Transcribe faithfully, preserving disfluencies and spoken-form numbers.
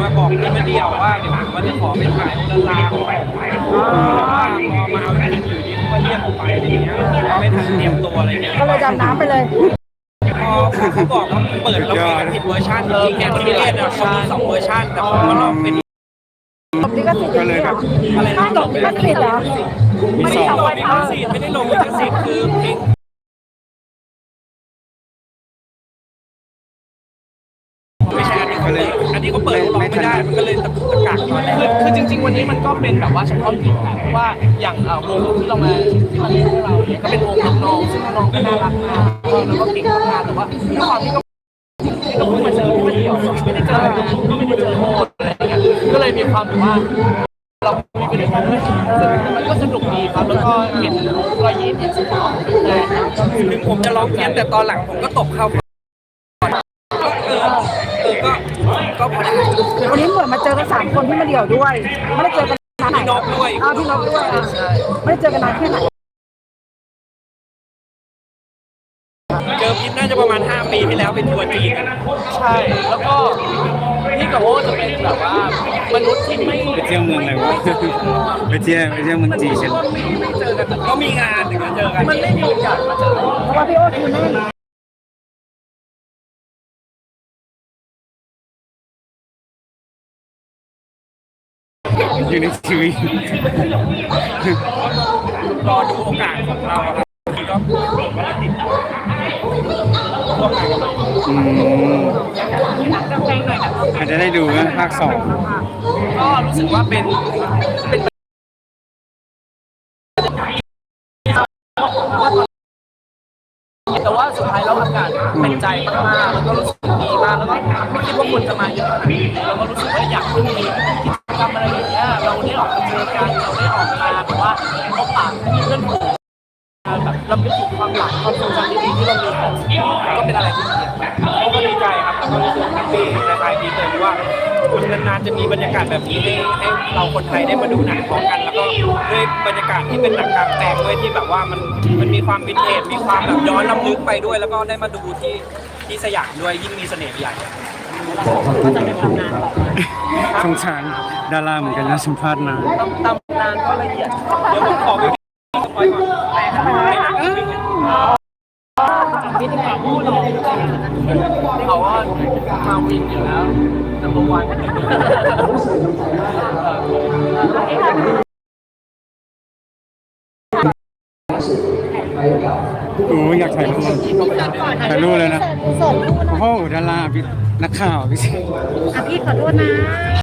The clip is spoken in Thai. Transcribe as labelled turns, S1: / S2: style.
S1: มาบอกพี่มาเดียวว่าเดี๋ยวผมว่าจะขอไปถ่ายโอลาลาไปว่าพอมาเอาจริงอยู่ดีเขาก็เรียกผมไปอะไรเงี้ยไม่ทันเตรียมตัวอะไรเงี้ย
S2: ก็เลยดำน้ำไปเลย
S1: พอเขาบอกว่าเปิดเราเป็นผิดเวอร์ชันจริงๆเนี่ยที่เรียนเนี่ยเขามีสองเวอร์ชันแต่ผมมาลองเป็น
S2: ตบลิขสิทธิ์อย่างนี้เหรอ
S1: อะไรนะ
S2: ตบลิขสิทธิ์เหรอ
S1: ไม่ได้ลงลิขสิทธิ์ไม่ได้ลงลิขสิทธิ์คือเพลงไม่ใช่อันนี้เขาเลยอันนี้เขาเปิดร้องไม่ได้มันก็เลยตะกุกตะกักตอนแรก
S3: คือคือจริงๆวันนี้มันก็เป็นแบบว่าเฉพาะกิจนะเพราะว่าอย่างเอ่อวงที่เรามาที่มาเล่นให้เราเนี่ยก็เป็นวงน้องๆซึ่งน้องๆก็น่ารักมากแล้วก็เก่งมากแต่ว่าด้วยความที่ก็ที่ก็เพิ่งมาเจอที่มาเที่ยวไม่ได้เจอไม่ได้เจอโมดอะไรอย่างเงี้ยก็เลยมีความแบบว่าเรามีไปด้วยกันด้วยมันก็สนุกดีครับแล้วก็เห็นรอยยิ้มเห็นสีหน้าเลย
S1: ถึงผมจะร้องเพี้ยนแต่ตอนหลังผมก็ตบเข้าเออเออก็ก็พอได้
S2: วันนี้เหมือนมาเจอกันสามคนที่มาเดี่ยวด้วย ไม่ได้เจอกันนานไหน
S1: พี่นกด้วย
S2: อ้าวพี่นกด้วยอ่ะไม่ได้เจอกันนานแค่ไหน
S1: เจอพิษน่าจะประมาณห้าปีที่แล้วเป็นทัวร์จีนกัน
S3: ใช่แล้วก็พี่กับโอจะเป็นแบบว่ามนุษย์ที่ไม่
S4: ไปเที่ยวเมืองอะไรวะ ไปเที่ยวไปเที่ยวเมืองจีนกัน
S3: ไม่ไม่เจอกันแบบ
S1: ก็มีงานถึงจะเจอกัน
S3: มันไม่มีโอกาสมาเจอ
S2: เพราะว่าพี่โอ๊ตคือแน่น
S4: อยู่ในทีวี
S1: รอดูโอกาสของเราครับก็วันละติด
S4: อืมอาจจะได้ดูนะภาคสอง
S3: ก็รู้สึกว่าเป็นเป็นแต่ว่าสุดท้ายแล้วอากาศเป็นใจมากๆแล้วก็รู้สึกดีมากแล้วก็ไม่คิดว่าคนจะมาเยอะขนาดนี้แล้วก็รู้สึกว่าอยากมีกิจกรรมอะไรอย่างเงี้ยเราได้ออกมาเจอกันเราได้ออกมาแบบว่าพบปะเพื่อนฝูงแบบเราไปถึงความหลังความทรงจำดีๆที่เรามีกันก็เป็นอะไรที่ดี
S1: เขาก็ดีใจครับแล้วก็รู้สึกแฮปปี้ในท้ายดีเลยว่ามันนานๆจะมีบรรยากาศแบบนี้ให้ให้เราคนไทยได้มาดูหนังพร้อมกัน แล้วก็ด้วยบรรยากาศที่เป็นหนังกลางแปลงด้วยที่แบบว่ามันมันมีความวินเทจมีความแบบย้อนลำลึกไปด้วย แล้วก็ได้มาดูที่ที่สยามด้วยยิ่งมีเสน่ห์ใหญ่
S4: สงสารดาราเหมือนกันนะสัมภาษณ์นาน
S3: ตำนานก็ละเอียด
S1: เดี๋ยวผมขอไปสปอยก่อน
S3: พิธีกรผู้หลอกเขาว่ามาวินอยู่แล้ว number one
S4: โอ้ยอยากถ่ายรูปถ่ายรูปเลยนะ
S2: เสิร์ฟรูปนะ
S4: โอ้โหดาราพี่นักข่าวพี่สิ
S2: อ่ะพี่ขอโทษนะ